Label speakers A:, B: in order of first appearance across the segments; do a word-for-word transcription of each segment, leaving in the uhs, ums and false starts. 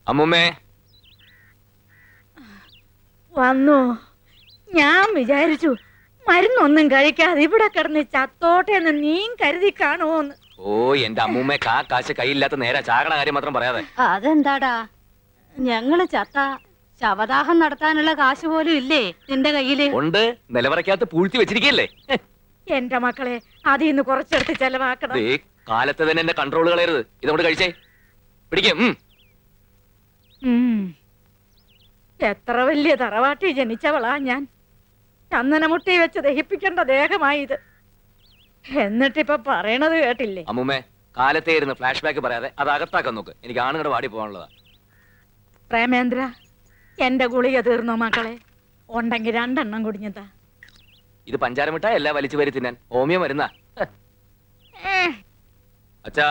A: അമ്മുമ്മേ
B: വന്നു. ഞാൻ വിചാരിച്ചു മരുന്നൊന്നും കഴിക്കാതെ ഇവിടെ കിടന്ന് ചത്തോട്ടെ എന്ന് നീ കരുതി കാണുമോന്ന്.
A: ഓ എന്റെ അമ്മൂമ്മേ കാ കാശ് കയ്യില്ലാത്ത നേരെ ചാകണ കാര്യം മാത്രം പറയാതെ.
C: അതെന്താടാ, ഞങ്ങള് ചത്ത ശവദാഹം നടത്താനുള്ള കാശ് പോലും ഇല്ലേ നിന്റെ കയ്യില്?
A: ഉണ്ട്, നിലവറയ്ക്കകത്ത് പൂഴ്ത്തി വെച്ചിരിക്കല്ലേ.
B: എന്റെ മക്കളെ അതിൽ നിന്ന് കുറച്ചെടുത്ത് ചെലവാക്കണം.
A: കാലത്ത് തന്നെ എന്റെ കൺട്രോൾ കളയരുത്. ഇതോട് കഴിച്ചേ പിടിക്കും.
B: എത്ര വലിയ തറവാട്ടി ജനിച്ചവളാ ഞാൻ. ചന്ദനമുട്ടി വെച്ച് ദഹിപ്പിക്കേണ്ട ദേഹമായി ഇത്. എന്നിട്ടിപ്പൊ പറയണത് കേട്ടില്ലേ?
A: അമ്മുമ്മേ കാലത്തേ ഇരുന്ന് ഫ്ലാഷ് ബാക്ക് പറയാതെ അത് അകത്താക്കാൻ നോക്ക്. എനിക്ക് ആണുങ്ങളുടെ വാടി പോകാനുള്ളതാ.
B: പ്രേമേന്ദ്ര, എന്റെ ഗുളിക തീർന്നോ മക്കളെ? ഉണ്ടെങ്കിൽ രണ്ടെണ്ണം കുടിഞ്ഞതാ.
A: ഇത് പഞ്ചാര മിഠായി അല്ല വലിച്ചു വരി തിന്നാൻ. ഹോമിയോ മരുന്നാ. അച്ഛാ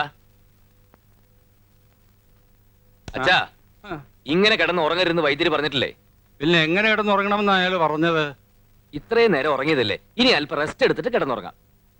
A: അച്ഛാ, ഇങ്ങനെ കിടന്ന് ഉറങ്ങരുന്ന് വൈദ്യര് പറഞ്ഞിട്ടില്ലേ?
D: പിന്നെ എങ്ങനെ കിടന്ന് ഉറങ്ങണമെന്ന് അയാൾ പറഞ്ഞത്?
A: ഇത്രയും നേരം ഉറങ്ങിയതല്ലേ, ഇനി അല്പം റെസ്റ്റ് എടുത്തിട്ട് കിടന്നുറങ്ങാം.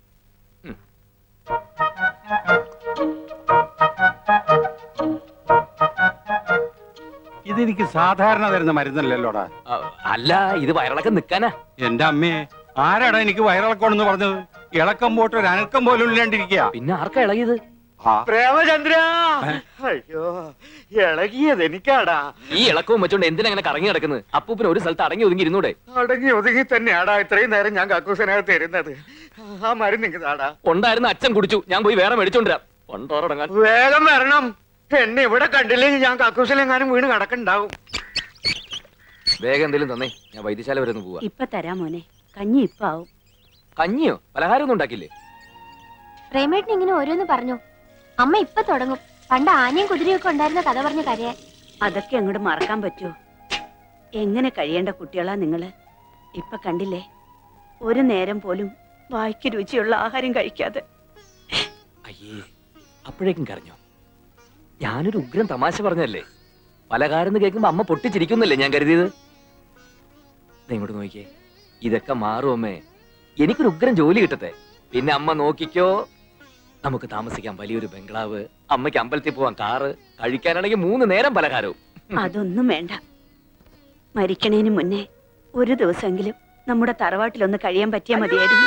D: ഇതെനിക്ക് സാധാരണ തരുന്ന മരുന്നല്ലല്ലോടാ.
A: അല്ല, ഇത് വയറിളക്കം നിക്കാനാ.
D: എന്റെ അമ്മേ, ആരാടാ എനിക്ക് വയറിളക്കമെന്ന് പറഞ്ഞത്? ഇളക്കം പോട്ട് ഒരു അനക്കം പോലും ഇല്ലാണ്ടിരിക്കുക.
A: പിന്നെ ആർക്കാ ഇളകിയത്?
E: പ്രേമചന്ദ്ര, അയ്യോ ഇളകിയത് എനിക്കാടാ.
A: ഈ ഇളക്കവും വെച്ചോണ്ട് എന്തിനങ്ങനെ കറങ്ങി കിടക്കുന്നത്? അപ്പൂപ്പിന് ഒരു സ്ഥലത്ത് അടങ്ങി ഒതുങ്ങി ഇരുന്നൂടെ?
E: അടങ്ങി ഒതുങ്ങി തന്നെയാടാ ഇത്രയും നേരം ഞാൻ കക്കൂസനകത്ത് ഇരുന്നത്. ആ മരുന്ന് നിങ്ങടാ.
A: ഉണ്ടായിരുന്ന അച്ഛൻ കുടിച്ചു, ഞാൻ പോയി വേറെ മേടിച്ചോണ്ടിരാം. കൊണ്ടോറടങ്ങാൻ
E: വേഗം വരണം. എന്നെ ഇവിടെ കണ്ടില്ലെങ്കിൽ ഞാൻ കക്കൂസിലെങ്ങാനും വീണ് കിടക്കണ്ടാവും.
A: വേഗം എന്തെങ്കിലും തന്നേ, ഞാൻ വൈദ്യശാല വരെ ഒന്ന് പോവാ.
C: ഇപ്പൊ തരാ മോനെ, കഞ്ഞി ഇപ്പൊ ആവും.
A: കഞ്ഞിയോ? പലഹാരം ഒന്നും ഉണ്ടാക്കില്ലേ?
F: പ്രേമേട്ടൻ ഇങ്ങനെ ഓരോന്ന് പറഞ്ഞു. അമ്മ ഇപ്പൊ തുടങ്ങും പണ്ട് ആനയും കുതിരയൊക്കെ ഉണ്ടായിരുന്ന കഥ പറഞ്ഞ കരയാൻ.
C: അതൊക്കെ അങ്ങോട്ട് മറക്കാൻ പറ്റുമോ? എങ്ങനെ കഴിയേണ്ട കുട്ടികളാ നിങ്ങള്. ഇപ്പൊ കണ്ടില്ലേ, ഒരു നേരം പോലും വായ്ക്ക് രുചിയുള്ള ആഹാരം കഴിക്കാതെ.
A: അയ്യേ, അപ്പോഴേക്കും കരഞ്ഞോ? ഞാനൊരു ഉഗ്രം തമാശ പറഞ്ഞല്ലേ. പലഹാരം കേൾക്കുമ്പോ അമ്മ പൊട്ടിച്ചിരിക്കുന്നല്ലേ ഞാൻ കരുതിയത്. ഇങ്ങോട്ട് നോക്കിയേ, ഇതൊക്കെ മാറും അമ്മേ. എനിക്കൊരു ഉഗ്രം ജോലി കിട്ടട്ടെ, പിന്നെ അമ്മ നോക്കിക്കോ. നമുക്ക് താമസിക്കാൻ വലിയൊരു ബംഗ്ലാവ്, അമ്മയ്ക്ക് അമ്പലത്തിൽ പോവാൻ കാറ്, കഴിക്കാനാണെങ്കിൽ മൂന്ന് നേരം പലഹാരവും.
C: അതൊന്നും വേണ്ട. മരിക്കണേന് മുന്നേ ഒരു ദിവസമെങ്കിലും നമ്മുടെ തറവാട്ടിലൊന്ന് കഴിയാൻ പറ്റിയാ മതിയായിരുന്നു.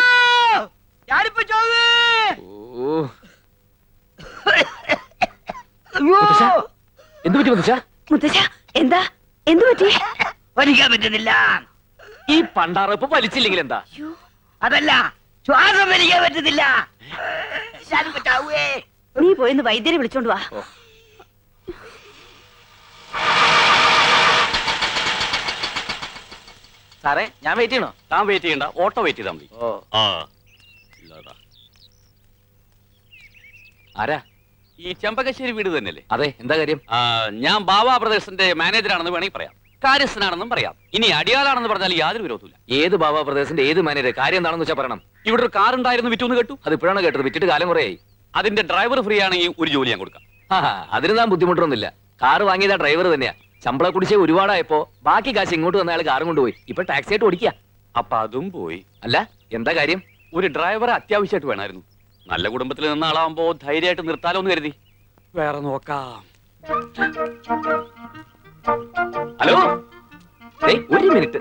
A: എന്തു പറ്റി മുത്തശ്ശ?
C: മുത്തശ്ശ, എന്താ എന്തു പറ്റി?
G: വലിക്കാൻ പറ്റുന്നില്ല.
A: ഈ പണ്ടാറപ്പ് വലിച്ചില്ലെങ്കിൽ എന്താ?
G: അതല്ല, ശ്വാസം വലിക്കാൻ പറ്റുന്നില്ല.
C: നീ പോയിന്ന് വൈദ്യരെ വിളിച്ചോണ്ട് വാ.
A: സാറേ, ഞാൻ വെയിറ്റ് ചെയ്യണോ?
H: താൻ വെയിറ്റ് ചെയ്യണ്ട, ഓട്ടോ വെയിറ്റ് ചെയ്താൽ മതി.
A: ഓ ആരാ?
H: ഈ ചെമ്പകശ്ശേരി വീട് തന്നെയല്ലേ?
A: അതെ, എന്താ കാര്യം?
H: ഞാൻ ബാബ ബ്രദേഴ്സിന്റെ മാനേജറാണെന്ന് വേണമെങ്കിൽ പറയാം, കാര്യസ്ഥനാണെന്നും പറയാം. ഇനി അടിയാളാണെന്ന് പറഞ്ഞാൽ യാതൊരു വിരോധമില്ല.
A: ഏത് ബാബാ പ്രദേശത്തിന്റെ ഏത് മാനേജർ? കാര്യം എന്താണെന്ന് വെച്ചാൽ പറയണം.
H: ഇവിടെ ഒരു കാർ ഉണ്ടായിരുന്നു, വിറ്റൂന്ന് കേട്ടു.
A: അത് ഇപ്പോഴാണ് കേട്ടത്, വിറ്റിട്ട് കാലം കുറയായി.
H: അതിന്റെ ഡ്രൈവർ ഫ്രീ ആണെങ്കിൽ ഒരു ജോലി ഞാൻ കൊടുക്കാം.
A: അതിന് താൻ ബുദ്ധിമുട്ടൊന്നുമില്ല. കാറ് വാങ്ങിയതാ ഡ്രൈവർ തന്നെയാ. ശമ്പള കുടിശ്ശേ ഒരുപാടായപ്പോ ബാക്കി കാശ് ഇങ്ങോട്ട് വന്ന അയാൾ കാറും കൊണ്ടുപോയി. ഇപ്പൊ ടാക്സി ആയിട്ട് ഓടിക്കുക.
H: അപ്പൊ അതും പോയി.
A: അല്ല, എന്താ കാര്യം?
H: ഒരു ഡ്രൈവറെ അത്യാവശ്യമായിട്ട് വേണമായിരുന്നു. നല്ല കുടുംബത്തിൽ നിന്ന ആളാവുമ്പോ ധൈര്യമായിട്ട് നിർത്താലോ എന്ന് കരുതി. വേറെ നോക്കാം.
A: ഹലോ, ഒരു മിനിറ്റ്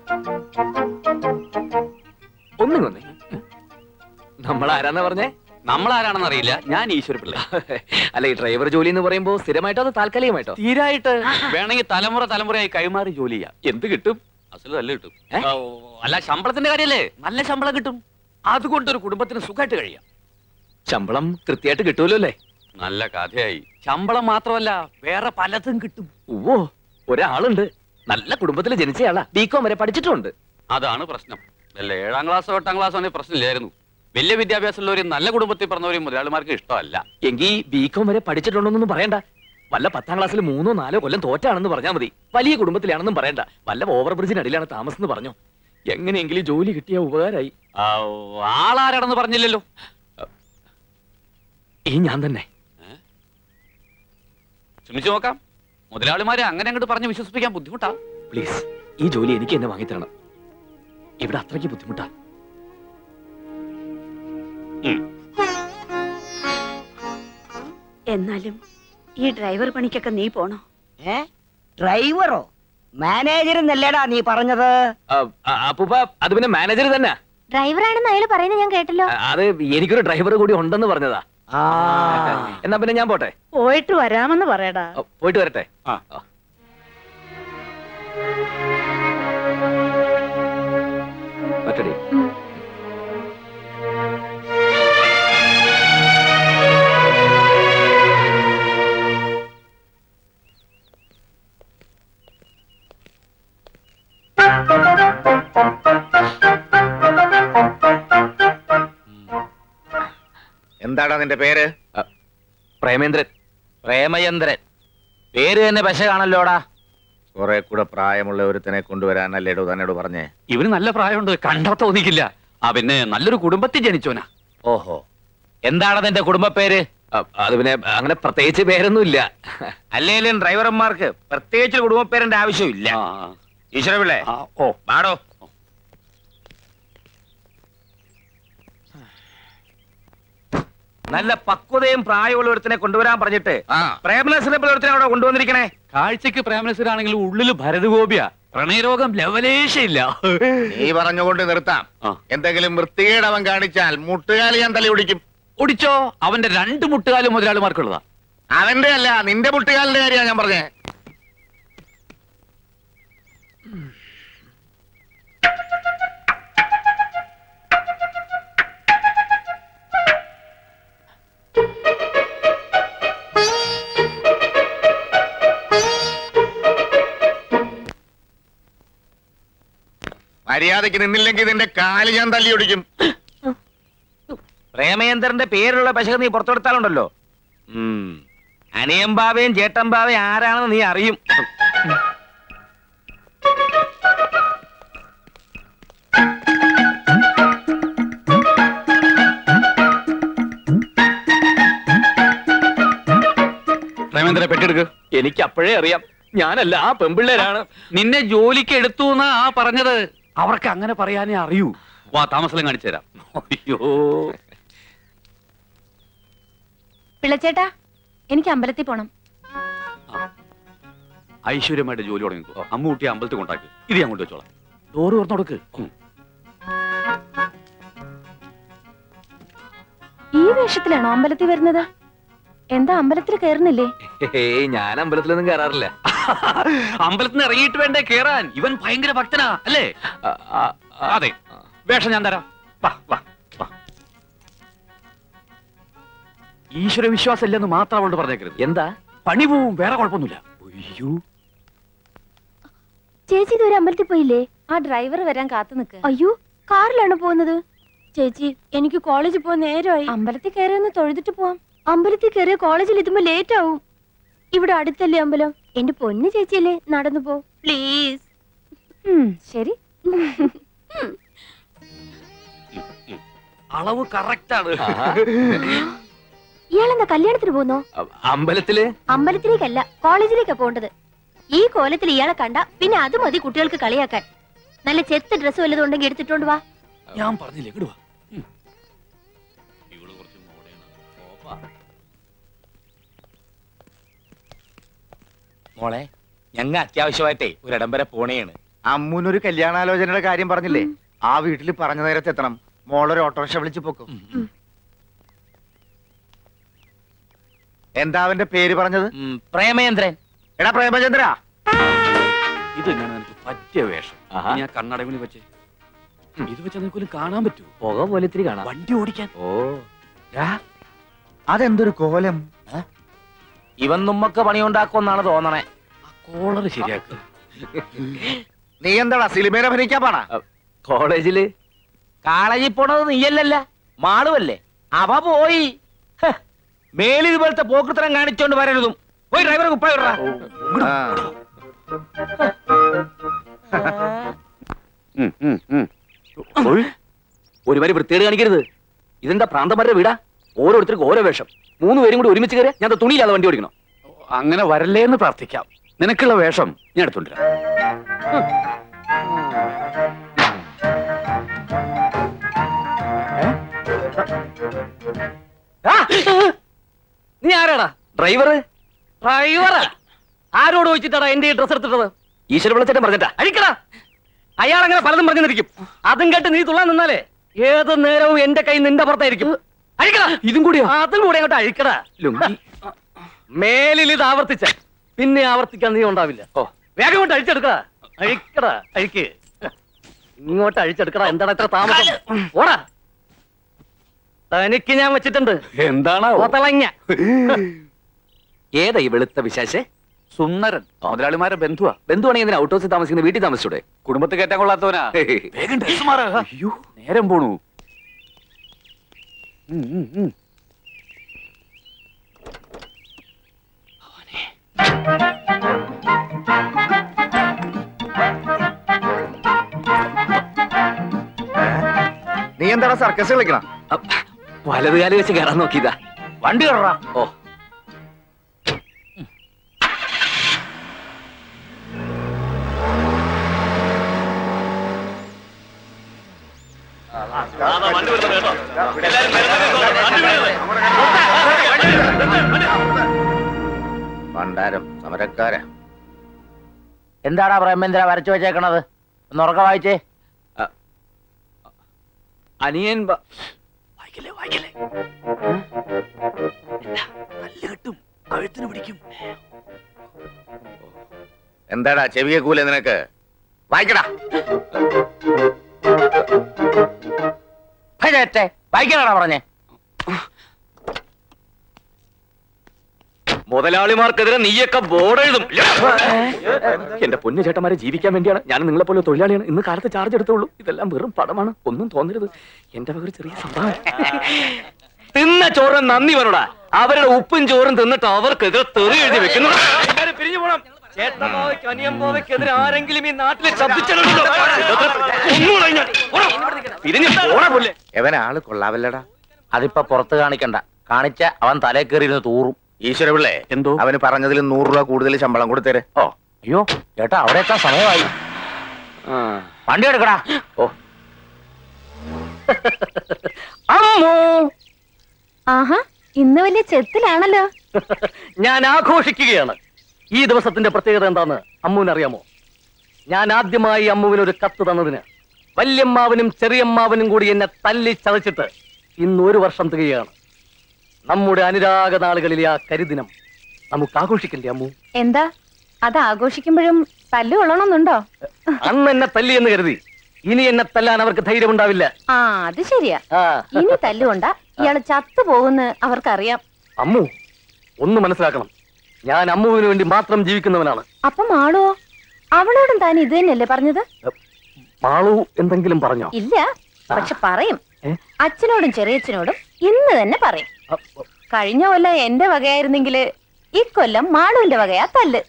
A: ഒന്നും വന്നേ. നമ്മൾ ആരാന്നാ പറഞ്ഞേ?
H: നമ്മളാരാണെന്ന് അറിയില്ല, ഞാൻ ഈശ്വരപിള്ള.
A: അല്ല, ഈ ഡ്രൈവർ ജോലി എന്ന് പറയുമ്പോ സ്ഥിരമായിട്ടോ അതോ താൽക്കാലികമായിട്ടോ?
H: തീരായിട്ട് വേണമെങ്കിൽ തലമുറ തലമുറയായി കൈമാറി ജോലി ചെയ്യാം.
A: എന്ത് കിട്ടും?
H: അസല് നല്ല കിട്ടും. അല്ല, ശമ്പളത്തിന്റെ കാര്യല്ലേ, നല്ല ശമ്പളം കിട്ടും. അതുകൊണ്ടൊരു കുടുംബത്തിന് സുഖമായിട്ട് കഴിയാം.
A: ശമ്പളം കൃത്യമായിട്ട് കിട്ടൂലോ അല്ലേ?
H: നല്ല കഥയായി. ശമ്പളം മാത്രമല്ല, വേറെ പലതും കിട്ടും.
A: ഓ, ഒരാളുണ്ട്, നല്ല കുടുംബത്തിൽ ജനിച്ചയാളാ, ബികോം വരെ പഠിച്ചിട്ടുണ്ട്.
H: അതാണ് പ്രശ്നം. അല്ല, ഏഴാം ക്ലാസ്സോ എട്ടാം ക്ലാസ്സോ ആണെങ്കിൽ പ്രശ്നമില്ലായിരുന്നു. വലിയ വിദ്യാഭ്യാസമുള്ളവരും നല്ല കുടുംബത്തിൽ പറഞ്ഞവരും മുതലാളിമാർക്ക് ഇഷ്ടമല്ല.
A: എങ്കിൽ ബികോം വരെ പഠിച്ചിട്ടുണ്ടോന്നൊന്നും പറയണ്ട. വല്ല പത്താം ക്ലാസ്സിൽ മൂന്നോ നാലോ കൊല്ലം തോറ്റാണെന്ന് പറഞ്ഞാൽ മതി. വലിയ കുടുംബത്തിലാണെന്നും പറയണ്ട. വല്ല ഓവർ ബ്രിഡ്ജിനടിയിലാണ് താമസം എന്ന് പറഞ്ഞോ. എങ്ങനെയെങ്കിലും ജോലി കിട്ടിയ ഉപകാരമായി.
H: ആളാരാണെന്ന് പറഞ്ഞില്ലല്ലോ.
A: ഈ ഞാൻ തന്നെ.
H: ശ്രമിച്ചു നോക്കാം. മുതലാളിമാരെ അങ്ങനെ അങ്ങോട്ട് പറഞ്ഞ് വിശ്വസിപ്പിക്കാൻ ബുദ്ധിമുട്ടാ.
A: പ്ലീസ്, ഈ ജോലി എനിക്ക് എന്നെ വാങ്ങിത്തരണം. ഇവിടെ അത്രയ്ക്ക് ബുദ്ധിമുട്ടാ.
C: എന്നാലും ഈ ഡ്രൈവർ പണിക്കൊക്കെ നീ പോണോ?
G: ഏ ഡ്രൈവറോ മാനേജർ എന്നല്ലേടാ നീ പറഞ്ഞത്?
A: ആ, ആ, അപ്പൂപ്പ അത് പിന്നെ മാനേജർ തന്നെ.
F: ഡ്രൈവറാണെന്ന് അയാൾ പറയുന്നത് ഞാൻ കേട്ടല്ലോ.
A: ആ, അത് എനിക്കൊരു ഡ്രൈവർ കൂടി ഉണ്ടെന്ന് പറഞ്ഞതാ.
G: ആ
A: എന്നാ പിന്നെ ഞാൻ പോട്ടെ.
B: പോയിട്ട് വരാമെന്ന് പറയടാ.
A: ആ, പോയിട്ട് വരട്ടെ.
D: ആ.
A: ആ. പറ്റടി.
E: എന്താടാ നിന്റെ പേര്?
A: പ്രേമേന്ദ്രൻ.
E: പ്രേമചന്ദ്രൻ.
G: പേര് തന്നെ പശ കാണല്ലോടാ.
E: കുറെ കൂടെ പ്രായമുള്ള ഒരുത്തനെ കൊണ്ടുവരാനല്ലേടോ തന്നോട് പറഞ്ഞേ?
H: ഇവന് നല്ല പ്രായമുണ്ട്, കണ്ടാ തോന്നിക്കില്ല. ആ പിന്നെ നല്ലൊരു കുടുംബത്തിൽ ജനിച്ചോനാ.
G: ഓഹോ, എന്താണ് നിന്റെ കുടുംബ പേര്?
A: ആ, അത് പിന്നെ അങ്ങനെ പ്രത്യേകിച്ച് പേരൊന്നുമില്ല.
G: അല്ലേലും ഡ്രൈവർമാർക്ക് പ്രത്യേകിച്ച് കുടുംബ പേരിന്റെ ആവശ്യമില്ല.
H: ആ,
G: ഈശ്വര പിള്ളേ,
H: ആ, ഓ
G: പാടോ. നല്ല പക്വതയും പ്രായമുള്ള ഒരുത്തിനെ കൊണ്ടുവരാൻ പറഞ്ഞിട്ട് പ്രേമനസിനെ പോലെ ഒരുത്തിനെ അവിടെ കൊണ്ടുവന്നിരിക്കണേ.
H: കാഴ്ചക്ക് പ്രേമനസരാണെങ്കിലും ഉള്ളില് ഭരതഗോപിയ. പ്രണയരോഗം ലവലേശയില്ല.
E: നീ പറഞ്ഞുകൊണ്ട് നിർത്താം.
H: ആ.
E: എന്തെങ്കിലും വൃത്തികേട് അവൻ കാണിച്ചാൽ മുട്ടുകാലി ഞാൻ തലി ഒടിക്കും.
H: ഒടിച്ചോ? അവന്റെ രണ്ട് മുട്ടുകാലും മുതലാളിമാർക്കുള്ളതാ.
E: അവന്റെ അല്ല, നിന്റെ മുട്ടുകാലിന്റെ കാര്യമാണ് ഞാൻ പറഞ്ഞേ. മര്യാദയ്ക്ക് നിന്നില്ലെങ്കിൽ നിന്റെ കാല് ഞാൻ തല്ലി ഒടിക്കും.
G: പ്രേമേന്ദ്രന്റെ പേരുള്ള പശ നീ പുറത്തെടുത്താലുണ്ടല്ലോ, അനിയമ്പാവയും ചേട്ടമ്പാവയും ആരാണെന്ന് നീ അറിയും.
H: പ്രേമേന്ദ്ര പെട്ടെടുക്ക്.
A: എനിക്ക് അപ്പോഴേ അറിയാം, ഞാനല്ല, ആ പെമ്പിള്ളേരാണ്.
H: നിന്നെ ജോലിക്ക് എടുത്തു എന്നാ ആ പറഞ്ഞത്. അവർക്ക് അങ്ങനെ പറയാനേ അറിയൂ. വാ, താമസം കാണിച്ചു തരാം. അയ്യോ,
F: പിള്ളച്ചേട്ടാ, എനിക്ക് അമ്പലത്തിൽ പോണം.
H: ഐശ്വര്യമായിട്ട് ജോലി തുടങ്ങിക്കോ. അമ്മൂട്ടി അമ്പലത്തിൽ കൊണ്ടാക്കി. ഇത് ഞാൻ കൊണ്ടുവച്ചോളാം. ഡോറ് തുറന്നു കൊടുക്ക്.
F: ഈ വേഷത്തിലാണോ അമ്പലത്തിൽ വരുന്നത്? എന്താ അമ്പലത്തിൽ കയറുന്നില്ലേ?
A: ഏയ്, ഞാൻ അമ്പലത്തിലൊന്നും കയറാറില്ല.
H: അമ്പലത്തിൽ നിന്ന് ഇറങ്ങിയിട്ട് വേണ്ടേ കേറാൻ? ഇവൻ ഭയങ്കര ഭക്തനാ അല്ലേ?
A: ആ, ആ, ആ,
H: അതെ, വേഷം ഞാൻ തരാം. വാ വാ വാ. ഈശ്വര വിശ്വാസം ഇല്ലെന്ന് മാത്രം അവളോട് പറഞ്ഞേക്കരുത്.
A: എന്താ?
H: പണി പോവും, വേറെ കുഴപ്പമൊന്നുമില്ല. അയ്യോ,
F: ചേച്ചി ഇതുവരെ അമ്പലത്തിൽ പോയില്ലേ? ആ ഡ്രൈവർ വരാൻ കാത്തു നിൽക്ക്. അയ്യോ, കാറിലാണ് പോകുന്നത്. ചേച്ചി, എനിക്ക് കോളേജിൽ പോകാൻ നേരമായി. അമ്പലത്തിൽ കയറി ഒന്ന് തൊഴുതിട്ട് പോവാം. അമ്പലത്തിൽ കയറിയ കോളേജിൽ എത്തുമ്പോ ലേറ്റ് ആവും. ഇവിടെ അടുത്തല്ലേ അമ്പലം? എന്റെ പൊന്നു ചേച്ചിയല്ലേ, നടന്നു പോ പ്ലീസ്. ശരി.
H: അളവ് കറക്റ്റ് ആണ്.
F: ഇയാളെന്താ കല്യാണത്തിന് പോന്നോ?
A: അ- അമ്പലത്തില്
F: അമ്പലത്തിലേക്കല്ല, കോളേജിലേക്കാ പോണ്ടത്. ഈ കോലത്തിൽ ഇയാളെ കണ്ട പിന്നെ അത് മതി കുട്ടികൾക്ക് കളിയാക്കാൻ. നല്ല ചെത്ത് ഡ്രസ് വല്ലതും ഉണ്ടെങ്കിൽ എടുത്തിട്ടോണ്ട് വാ.
H: ഞാൻ പറഞ്ഞില്ലേ, ഇങ്ങട് വാ. ഉം. ഇവള് കുറച്ച് മോഡേണാ. ഓപ്പാ.
G: മോളെ, ഞങ്ങ അത്യാവശ്യമായിട്ടേ ഒരിടം വരെ പോണേണ്.
E: അമ്മൂനൊരു കല്യാണാലോചനയുടെ കാര്യം പറഞ്ഞില്ലേ? ആ വീട്ടിൽ പറഞ്ഞ നേരത്തെ എത്തണം. മോളൊരു ഓട്ടോറിക്ഷ വിളിച്ചു പോക്കും. എന്താ അവന്റെ പേര് പറഞ്ഞത്?
G: ഉം, പ്രേമേന്ദ്രൻ.
E: എടാ പ്രേമചന്ദ്ര,
H: ഇത് ഞാൻ നിനക്ക് പറ്റിയ വേഷം.
A: ആഹാ.
H: ഞാൻ കണ്ണടവിന് വെച്ച് ഇത് വെച്ച് നിനക്കൊരു കാണാൻ പറ്റൂ.
A: പുക പോലെ ഇത്തിരി കാണാം.
H: വണ്ടി ഓടിക്കാൻ.
A: ഓ,
E: അതെന്തൊരു കോലം.
G: ഇവൻ നമ്മക്ക് പണിയുണ്ടാക്കുമെന്നാണ് തോന്നണേ.
H: ആ കോളർ ശരിയാക്കുക.
E: നീ എന്താടാ സിനിമയിൽ അഭിനയിക്കാൻ പാടാ?
A: കോളേജില്
G: കാളേജിൽ പോണത് നീയല്ലല്ല, മാളുവല്ലേ. അവ പോയി. ഹ്, മേലിൽ ഇതുപോലത്തെ പോക്കൃത്തരം കാണിച്ചോണ്ട് വരരുതും. പോയി ഡ്രൈവറെ കുപ്പായ വിടറാ.
E: ആ.
H: ഉം, ഉം, ഉം.
A: ഒരു വരി വൃത്തികേട് കാണിക്കരുത്. ഇതെന്താ പ്രാന്തന്മാരുടെ വീടാ? ഓരോരുത്തർക്കും ഓരോ വേഷം. മൂന്ന് പേരും കൂടി ഒരുമിച്ച് കയറി ഞാൻ തുണിയില്ലാതെ വണ്ടി ഓടിക്കണം.
H: അങ്ങനെ വരല്ലേ എന്ന് പ്രാർത്ഥിക്കാം. നിനക്കുള്ള വേഷം ഞാൻ എടുത്തോണ്ടിരാം.
A: നീ ആരാടാ? ഡ്രൈവർ?
G: ഡ്രൈവറാ? ആരോട് ചോദിച്ചിട്ടാണ് എന്റെ ഈ ഡ്രസ് എടുത്തിട്ടത്?
A: ഈശ്വര വിളിച്ചിട്ട് പറഞ്ഞിട്ടാ.
G: അഴിക്കടാ. അയാൾ അങ്ങനെ പലതും പറഞ്ഞിരിക്കും. അതും കേട്ട് നീ തുള്ളാൻ നിന്നാലേ ഏത് നേരവും എന്റെ കൈ നിന്റെ പുറത്തായിരിക്കും. അഴിക്കടാ.
A: ഇതും കൂടിയോ?
G: അതും കൂടെ അങ്ങോട്ട് അഴിക്കടാ.
A: ലുങ്കി.
G: മേലിൽ ഇത് ആവർത്തിച്ച പിന്നെ ആവർത്തിക്കാൻ നീ ഉണ്ടാവില്ല.
A: ഓ
G: വേഗം കൊണ്ട് അഴിച്ചെടുക്കടാ. അഴിക്കടാ. അഴിക്ക്. ഇങ്ങോട്ട് അഴിച്ചെടുക്കടാ. എന്താണ് ഇത്ര താമസം? ഓടാ. തനിക്ക് ഞാൻ വെച്ചിട്ടുണ്ട്.
H: എന്താണ്
G: ഓത്തളങ്ങ.
A: ഏതാ ഈ വെളുത്ത വിശാശേ?
H: സുന്ദരൻ മുതലാളിമാരെ ബന്ധുവാ.
A: ബന്ധുവാണെങ്കിൽ എന്തിനാ ഔട്ട് ഹൗസിൽ താമസിക്കുന്ന വീട്ടിൽ താമസിച്ചൂടെ?
H: കുടുംബത്തിൽ കയറ്റാൻ കൊള്ളാത്തവനാ. വേഗം ഡ്രസ് മാറാ. അയ്യോ നേരം പോണു. ഉം, ഉം, ഉം.
E: നീ എന്താണ് സർക്കസ് കളിക്കണം?
A: വലതുകാലി വെച്ച് കയറാൻ നോക്കിയതാ.
G: വണ്ടി കയറാ.
A: ഓ
E: ഭണ്ഡാരം സമരക്കാര.
G: എന്താടാ പ്രേമേന്ദ്ര വരച്ചു വെച്ചേക്കണത്? ഒന്ന് ഉറക്ക വായിച്ചേ.
A: അനിയൻ ബ-
H: വായിക്കല്ലേ വായിക്കല്ലേ. നല്ല കിട്ടും, കഴുത്തിന് പിടിക്കും.
E: എന്താടാ ചെവിയെ കൂലെ നിനക്ക്? വായിക്കടാ.
G: വായിക്കാനാടാ പറഞ്ഞേ?
A: മുതലാളിമാർക്കെതിരെ നീയൊക്കെ ബോർഡ് എഴുതും. എന്റെ പൊന്നു ചേട്ടന്മാരെ ജീവിക്കാൻ വേണ്ടിയാണ് ഞാൻ നിങ്ങളെ പോലെ തൊഴിലാളിയാണ്. ഇന്ന് കാലത്ത് ചാർജ് എടുത്തുള്ളൂ. ഇതെല്ലാം വെറും പടമാണ്. ഒന്നും തോന്നരുത്. എന്റെ വക ഒരു ചെറിയ സംഭവം. തിന്ന ചോറ് നന്ദി വരടാ. അവരുടെ ഉപ്പും ചോറും തിന്നിട്ട് അവർക്കെതിരെ തെറി എഴുതി വെക്കുന്നു. പിരിഞ്ഞു പോണം. ചേട്ടനോവയ്ക്ക് അനിയമ്പോവയ്ക്കെതിരെ ആരെങ്കിലും ഈ നാട്ടിലെ ശബ്ദിച്ചിട്ടുണ്ടോ? പിരിഞ്ഞു പോണ പോലെ.
E: എവൻ ആള് കൊള്ളാവല്ലടാ.
G: അതിപ്പോ പുറത്ത് കാണിക്കണ്ട. കാണിച്ച അവൻ തലേ കയറിയിരുന്ന് തൂറും.
E: ഈശ്വര പിള്ളേ,
A: എന്തോ
E: അവന് പറഞ്ഞതിൽ നൂറ് രൂപ കൂടുതൽ ശമ്പളം കൊടുത്തേരെ.
G: ഓ അയ്യോ ചേട്ടാ, അവിടെ എത്താൻ സമയമായി.
A: ആ.
G: വണ്ടി എടുക്കടാ.
A: ഓ
G: അമ്മോ,
F: ആഹാ, ഇന്ന് വലിയ ചെത്തിലാണല്ലോ.
G: ഞാൻ ആഘോഷിക്കുകയാണ്. ഈ ദിവസത്തിന്റെ പ്രത്യേകത എന്താന്ന് അമ്മുവിനറിയാമോ? ഞാൻ ആദ്യമായി അമ്മുവിന് ഒരു കത്ത് തന്നതിന് വല്യമ്മാവനും ചെറിയമ്മാവനും കൂടി എന്നെ തല്ലി ചതച്ചിട്ട് ഇന്ന് ഒരു വർഷം തികയാണ്. നമ്മുടെ അനുരാഗ നാളുകളിലെ ആ കരിദിനം നമുക്ക് ആഘോഷിക്കണ്ടേ അമ്മു?
F: എന്താ അത് ആഘോഷിക്കുമ്പോഴും തല്ലു കൊള്ളണമെന്നുണ്ടോ?
G: അന്ന് എന്നെ തല്ലി എന്ന് കരുതി ഇനി എന്നെ തല്ലാൻ അവർക്ക് ധൈര്യമുണ്ടാവില്ല.
F: ആ അത് ശരിയാ.
G: ആ
F: ഇനി തല്ലുകൊണ്ട ഇയാള് ചത്തു പോകുന്ന് അവർക്കറിയാം.
G: അമ്മു ഒന്ന് മനസ്സിലാക്കണം, ഞാൻ അമ്മുവിന് വേണ്ടി മാത്രം ജീവിക്കുന്നവനാണ്.
F: അപ്പം ആളോ? അവളോടും താൻ ഇത് തന്നെയല്ലേ പറഞ്ഞത്?
G: മാളു എന്തെങ്കിലും പറഞ്ഞോ?
F: ഇല്ല, പക്ഷെ പറയും.
G: ഏ?
F: അച്ഛനോടും ചെറിയച്ഛനോടും ഇന്ന് തന്നെ പറയും. കഴിഞ്ഞ കൊല്ലം എന്റെ വകയായിരുന്നെങ്കില് ഇക്കൊല്ലം മാളുവിന്റെ വകയാ തല്ല്.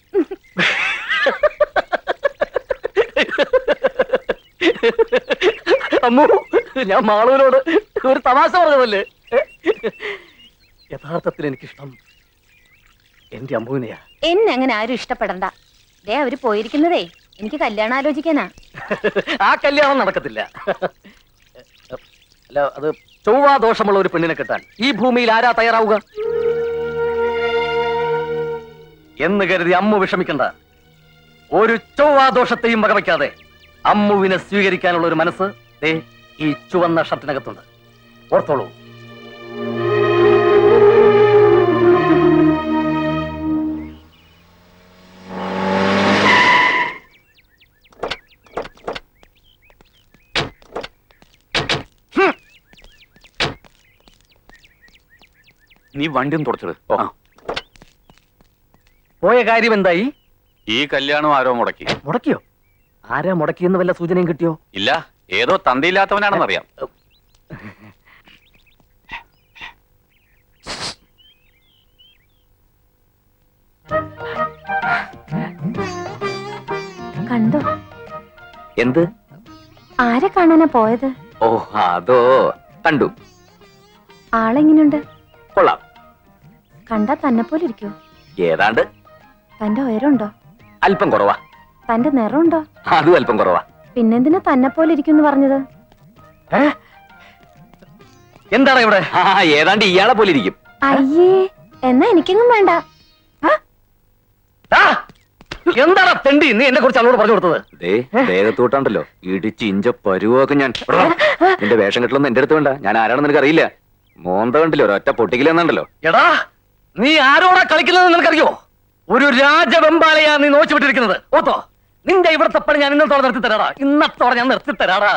G: അമ്മു, ഞാൻ മാളുവിനോട് ഒരു തമാശ പറഞ്ഞതല്ലേ. യഥാർത്ഥത്തിൽ എനിക്കിഷ്ടം എന്റെ അമ്മുവിനെയാ.
F: എന്നെ അങ്ങനെ ആരും ഇഷ്ടപ്പെടണ്ട. ദേ അവര് പോയിരിക്കുന്നതേ എനിക്ക് കല്യാണം ആലോചിക്കാനാ.
G: ആ കല്യാണം നടക്കത്തില്ല. അല്ല, അത് ചൊവ്വാ ദോഷമുള്ള ഒരു പെണ്ണിനെ കിട്ടാൻ ഈ ഭൂമിയിൽ ആരാ തയ്യാറാവുക എന്ന് കരുതി അമ്മു വിഷമിക്കണ്ട. ഒരു ചൊവ്വാ ദോഷത്തെയും വകവയ്ക്കാതെ അമ്മുവിനെ സ്വീകരിക്കാനുള്ള ഒരു മനസ്സ് ദേ ഈ ചുവന്ന ഷർട്ടിനകത്തുണ്ട്. ഓർത്തോളൂ.
H: നീ വണ്ടി ഒന്ന് തുടച്ചത്.
G: പോയ കാര്യം എന്തായി?
H: ഈ കല്യാണം ആരോ മുടക്കി.
G: മുടക്കിയോ? ആരാ മുടക്കിയെന്ന് വല്ല സൂചനയും കിട്ടിയോ?
H: ഇല്ല, ഏതോ തന്തയില്ലാത്തവനാണെന്നറിയാം.
F: കണ്ടോ?
A: എന്ത്?
F: ആരെ കാണാനാ പോയത്?
A: ഓ അതോ, കണ്ടു.
F: ആളെങ്ങനെയുണ്ട്?
A: കൊള്ളാം.
F: കണ്ടാ തന്നെ പോലെ ഇരിക്കോ?
A: ഏതാണ്ട്.
F: തന്റെ ഉയരമുണ്ടോ?
A: അല്പം കുറവാ.
F: തന്റെ നിറമുണ്ടോ?
A: അതും അല്പം കുറവാ.
F: പിന്നെന്തിനാ തന്നെ പോലെ ഇരിക്കും പറഞ്ഞത്?
G: എന്താണ് ഇവിടെ?
A: ആ ഏതാണ്ട് ഇയാളെ പോലെ ഇരിക്കും.
F: അയ്യേ, എന്നാ എനിക്കെങ്ങും വേണ്ട.
G: ആ എന്താണ് തെണ്ടി നീ എന്നെ കുറിച്ച് അവളോട് പറഞ്ഞു കൊടുത്തത്?
A: ദേ ദേഹത്തോട്ടാണ്ടല്ലോ ഇടിച്ച് ഇഞ്ച പരുവൊക്കെ ഞാൻ എടാ, നിന്റെ വേഷം കെട്ടലൊന്നും എന്റെ അടുത്ത് വേണ്ട. ഞാൻ ആരാണെന്ന് നിനക്ക് അറിയില്ല. മോന്ത കണ്ടില്ലോ ഒരൊറ്റ പൊട്ടിക്കലെന്നുണ്ടല്ലോ.
G: എടാ നീ ആരോടാ കളിക്കുന്നത് നിനക്കറിയോ? ഒരു രാജവെമ്പാലയാ നീ നോച്ചു വിട്ടിരിക്കുന്നത്. ഓത്തോ നിന്റെ ഇവിടുത്തെ പണി ഞാൻ ഇന്നത്തോടെ നിർത്തി തരാടാ. ഇന്നത്തോടെ ഞാൻ നിർത്തി തരാടാ.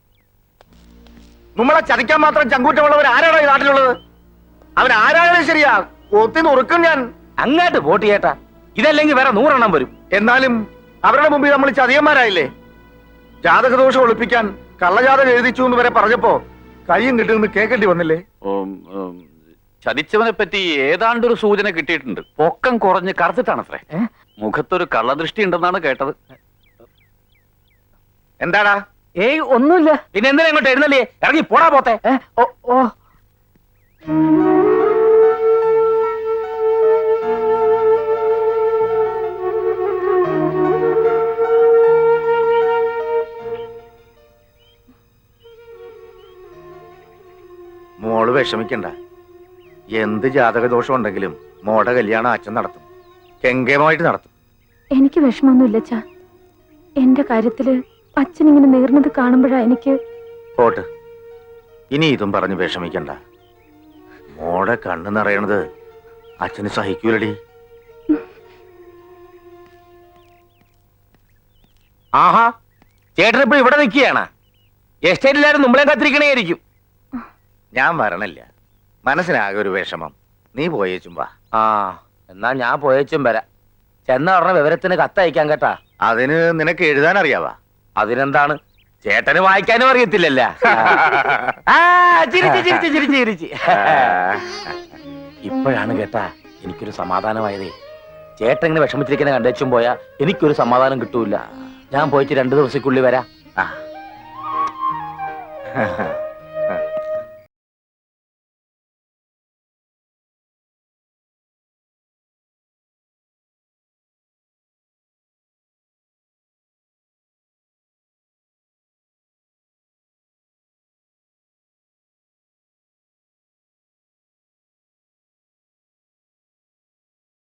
E: നമ്മളെ ചതിക്കാൻ മാത്രം ചങ്കൂറ്റമുള്ളവർ ആരാണോ ഈ നാട്ടിലുള്ളത്? അവൻ ആരായാലും ശരിയാ, ഒത്തി നുറുക്കും ഞാൻ.
G: അങ്ങോട്ട് വോട്ട് ചെയ്യട്ടാ. ഇതല്ലെങ്കിൽ വേറെ നൂറെണ്ണം വരും.
E: എന്നാലും അവരുടെ മുമ്പിൽ നമ്മൾ ചതിയന്മാരായില്ലേ? ജാതകദോഷം ഒളിപ്പിക്കാൻ കള്ളജാതകം എഴുതിച്ചു എന്ന് വരെ പറഞ്ഞപ്പോ കയ്യും കിട്ടുമെന്ന് കേൾക്കേണ്ടി വന്നില്ലേ?
H: ഉം, ഉം, ചതിച്ചവനെ പറ്റി ഏതാണ്ടൊരു സൂചന കിട്ടിയിട്ടുണ്ട്. പൊക്കം കുറഞ്ഞ് കറുത്തിട്ടാണത്രേ. മുഖത്തൊരു കള്ളദൃഷ്ടി ഉണ്ടെന്നാണ് കേട്ടത്.
E: എന്താടാ?
G: ഏയ് ഒന്നുമില്ല. പിന്നെ എന്തിനാ ഇങ്ങോട്ട് എഴുന്നല്ലേ? ഇറങ്ങി പോടാ പോത്തെ. ഓ ഓ
E: മോള് വിഷമിക്കണ്ട. എന്ത് ജാതകദോഷം ഉണ്ടെങ്കിലും മോടെ കല്യാണം അച്ഛൻ നടത്തും, കെങ്കേമായിട്ട് നടത്തും.
F: എനിക്ക് വിഷമമൊന്നുമില്ല അച്ഛാ. എന്റെ കാര്യത്തില് അച്ഛൻ ഇങ്ങനെ നേർന്നത് കാണുമ്പോഴാ എനിക്ക്.
E: പോട്ട്, ഇനി ഇതും പറഞ്ഞ് വിഷമിക്കണ്ട. മോടെ കണ്ണ് നിറയണത് അച്ഛന് സഹിക്കൂലടി.
G: ആഹാ ചേട്ടൻ ഇപ്പൊ ഇവിടെ നിൽക്കുകയാണ്. എസ്റ്റേറ്റിലാരും നമ്മളെ കത്തിരിക്കണേയിരിക്കും.
E: ഞാൻ വരണില്ല, മനസ്സിനാകെ ഒരു വിഷമം. നീ പോയേച്ചും വാ.
G: ആ എന്നാ ഞാൻ പോയച്ചും വരാം. ചെന്ന ഉടനെ വിവരത്തിന് കത്തയക്കാൻ കേട്ടാ.
E: അതിന് നിനക്ക് എഴുതാൻ അറിയാവാ?
G: അതിനെന്താണ്, ചേട്ടന് വായിക്കാനും അറിയത്തില്ലല്ല. ആ, ചിരിച്ച് ചിരിച്ച് ചിരിച്ച് ചിരിച്ച്. ഇപ്പോഴാണ് കേട്ടാ എനിക്കൊരു സമാധാനമായതേ. ചേട്ടൻ ഇങ്ങനെ വിഷമിച്ചിരിക്കുന്ന കണ്ടേച്ചും പോയാ എനിക്കൊരു സമാധാനം കിട്ടൂല. ഞാൻ പോയിട്ട് രണ്ടു ദിവസക്കുള്ളിൽ വരാം.
E: ആ